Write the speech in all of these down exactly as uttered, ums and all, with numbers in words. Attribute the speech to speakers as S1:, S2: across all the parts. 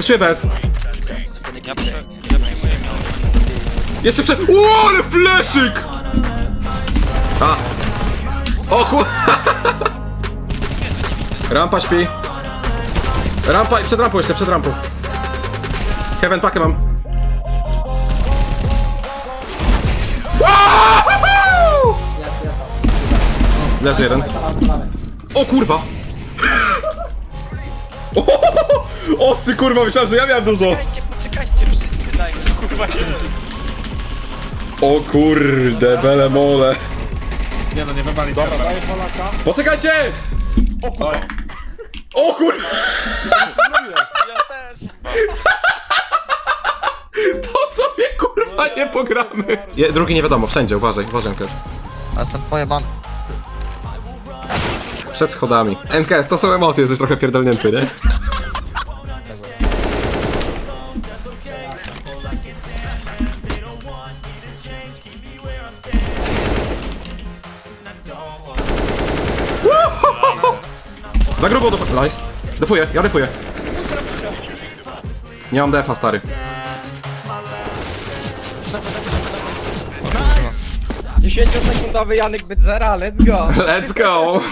S1: Przeszuję bez.
S2: Ja prze... Ja przejmuję miał.
S1: Jeszcze przed... Uuu, ale fleszyk! A. O kur... Rampa śpi. Rampa, przed rampą jeszcze, przed rampą. Heaven, pakę mam. Woohoo! Leży jeden. O kurwa! O ty kurwa, myślałem, że ja miałem dużo.
S2: Poczekajcie, poczekajcie, wszyscy dajmy. Kurwa,
S1: O kurde, bele mole.
S3: Nie no, nie wywali. Dobra, daję Polaka.
S1: Poczekajcie!
S3: O kurwa.
S1: O kurwa!
S2: ja też.
S1: To sobie kurwa nie pogramy. Je, drugi nie wiadomo, wszędzie, uważaj, uważaj N K S.
S2: A jestem pojebany.
S1: Przed schodami. N K S, to są emocje, jesteś trochę pierdolnięty, nie? Za grubo do... Nice. Defuję, ja defuję. Nie mam defa, stary.
S4: dziesięciosekundowy Janek Bydzera, let's go!
S1: Let's go!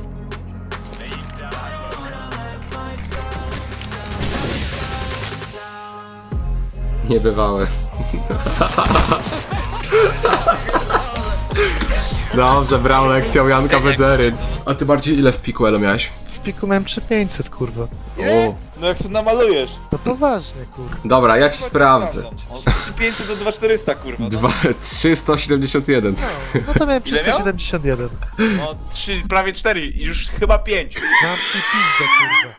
S1: Niebywałe. Dobrze, brał lekcją Janka Bedzery. A ty bardziej ile w piku elo miałeś?
S5: W piku miałem trzy tysiące pięćset, kurwa.
S1: O.
S6: No jak to namalujesz?
S5: No poważnie, kurwa.
S1: Dobra, ja ci sprawdzę.
S6: On z trzy tysiące pięćset do dwa tysiące czterysta, kurwa. No,
S1: Dwa, trzysta siedemdziesiąt jeden.
S5: No to miałem
S6: Ile miał?
S5: trzysta siedemdziesiąt jeden.
S6: no trzy, prawie cztery, już chyba pięć.
S5: Mam i pizdę, kurwa.